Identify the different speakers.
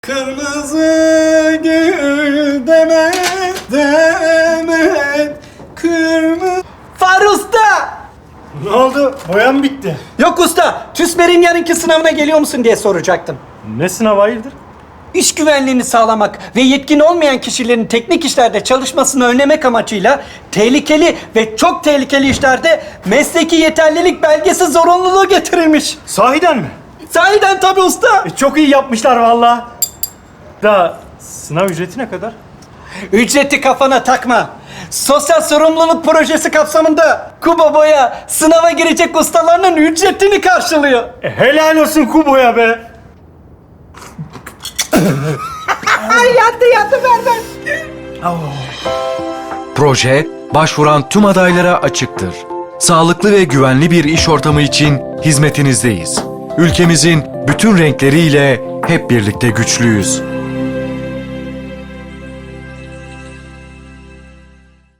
Speaker 1: Kırmızı gül demet demet kırmızı...
Speaker 2: Fahri Usta!
Speaker 1: Ne oldu? Boyan bitti.
Speaker 2: Yok usta, TÜSMER'in yarınki sınavına geliyor musun diye soracaktım.
Speaker 1: Ne sınavı hayırdır?
Speaker 2: İş güvenliğini sağlamak ve yetkin olmayan kişilerin teknik işlerde çalışmasını önlemek amacıyla tehlikeli ve çok tehlikeli işlerde mesleki yeterlilik belgesi zorunluluğu getirilmiş.
Speaker 1: Sahiden mi?
Speaker 2: Sahiden tabii usta.
Speaker 1: Çok iyi yapmışlar valla. Da sınav ücreti ne kadar?
Speaker 2: Ücreti kafana takma. Sosyal sorumluluk projesi kapsamında Kubo Boya sınava girecek ustalarının ücretini karşılıyor.
Speaker 1: Helal olsun Kubo'ya be.
Speaker 2: Ay yattı ver.
Speaker 3: Proje, başvuran tüm adaylara açıktır. Sağlıklı ve güvenli bir iş ortamı için hizmetinizdeyiz. Ülkemizin bütün renkleriyle hep birlikte güçlüyüz.